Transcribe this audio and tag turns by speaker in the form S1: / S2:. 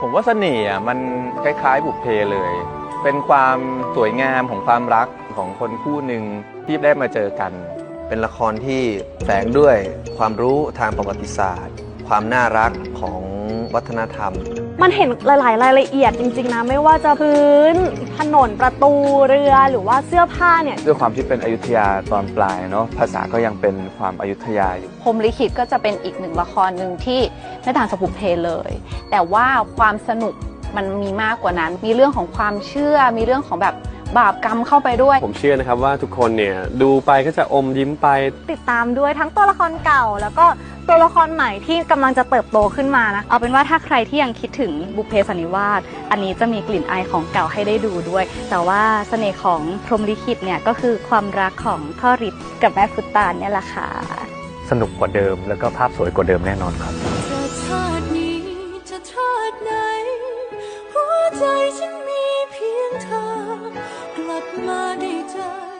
S1: ผมว่าเสน่ห์มันคล้ายๆบุพเพเลย เป็นความสวยงามของความรักของคนคู่หนึ่งที่ได้มาเจอกัน
S2: เป็นละครที่แฝงด้วยความรู้ทางประวัติศาสตร์ ความน่ารักของวัฒนธรรม
S3: มันเห็นหลายๆรายละเอียดจริงๆนะไม่ว่าจะพื้นถนนประตูเรือหรือว่าเสื้อผ้าเนี่ย
S1: ด้วยความที่เป็นอยุธยาตอนปลายเนาะภาษาก็ยังเป็นความอยุธยาอยู่
S4: พรหมลิขิตก็จะเป็นอีกหนึ่งละครหนึ่งที่ไม่ต่างจากบุพเพเลย แต่ว่าความสนุกมันมีมากกว่านั้น มีเรื่องของความเชื่อมีเรื่องของแบบบาปกรรมเข้าไปด้วย
S5: ผมเชื่อนะครับว่าทุกคนเนี่ยดูไปก็จะอมยิ้มไป
S3: ติดตามด้วยทั้งตัวละครเก่าแล้วก็ตัวละครใหม่ที่กำลังจะเติบโตขึ้นมานะ
S6: เอาเป็นว่าถ้าใครที่ยังคิดถึงบุพเพสันนิวาสอันนี้จะมีกลิ่นอายของเก่าให้ได้ดูด้วยแต่ว่าเสน่ห์ของพรหมลิขิตเนี่ยก็คือความรักของพ่อฤทธิ์กับแม่ฟุตตานเนี่ยแหละค่ะ
S7: สนุกกว่าเดิมแล้วก็ภาพสวยกว่าเดิมแน่นอนครับ
S8: จะชาตินี้จะชาติไหนหัวใจฉันมีเพียงเธอกลับมาได้เจอ